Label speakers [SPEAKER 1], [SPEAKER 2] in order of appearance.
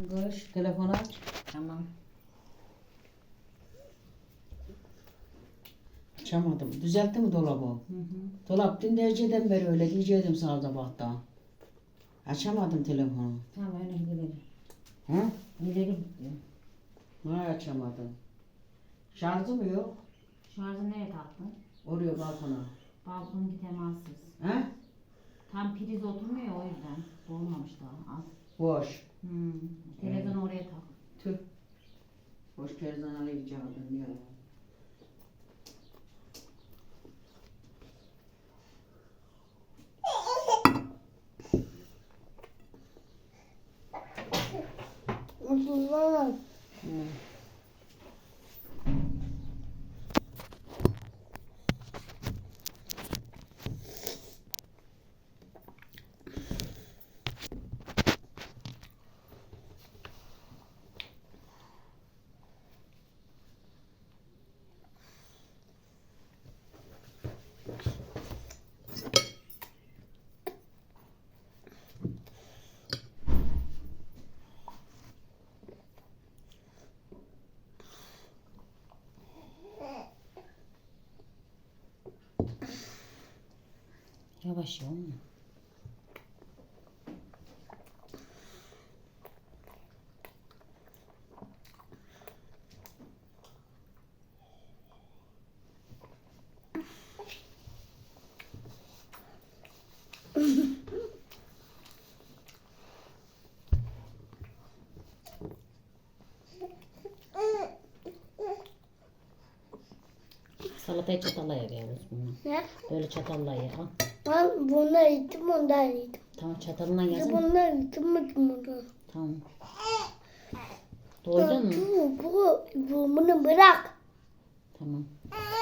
[SPEAKER 1] Koş telefonu aç.
[SPEAKER 2] Tamam.
[SPEAKER 1] Açamadım. Düzeltti mi dolabı?
[SPEAKER 2] Hı hı.
[SPEAKER 1] Dolap dün dereceden beri öyle diyecektim sana sabahta. Açamadım telefonu.
[SPEAKER 2] Tamam öyle gidelim.
[SPEAKER 1] Hı?
[SPEAKER 2] İleri gidiyor.
[SPEAKER 1] Ne açamadım? Şarjı mı yok?
[SPEAKER 2] Şarjı nereye taktın?
[SPEAKER 1] Oraya balkona.
[SPEAKER 2] Balkonunki temassız.
[SPEAKER 1] He?
[SPEAKER 2] Tam priz oturmuyor ya, o yüzden. Dolmamış daha az.
[SPEAKER 1] Boş.
[SPEAKER 2] Televizyon oraya tak.
[SPEAKER 1] Tüh. Boş televizyon alacaktım ya. Hı.
[SPEAKER 2] Yavaş ya. Salatayı çatalla ye yavuz bunu.
[SPEAKER 3] Ne?
[SPEAKER 2] Böyle çatalla ye. Al.
[SPEAKER 3] Ben bunları yedim, ondan yedim.
[SPEAKER 2] Tamam, çatalından
[SPEAKER 3] Bir de
[SPEAKER 2] yesene.
[SPEAKER 3] bunları yedim, bunu.
[SPEAKER 2] Tamam. Doydun mu?
[SPEAKER 3] Bunu bırak.
[SPEAKER 2] Tamam.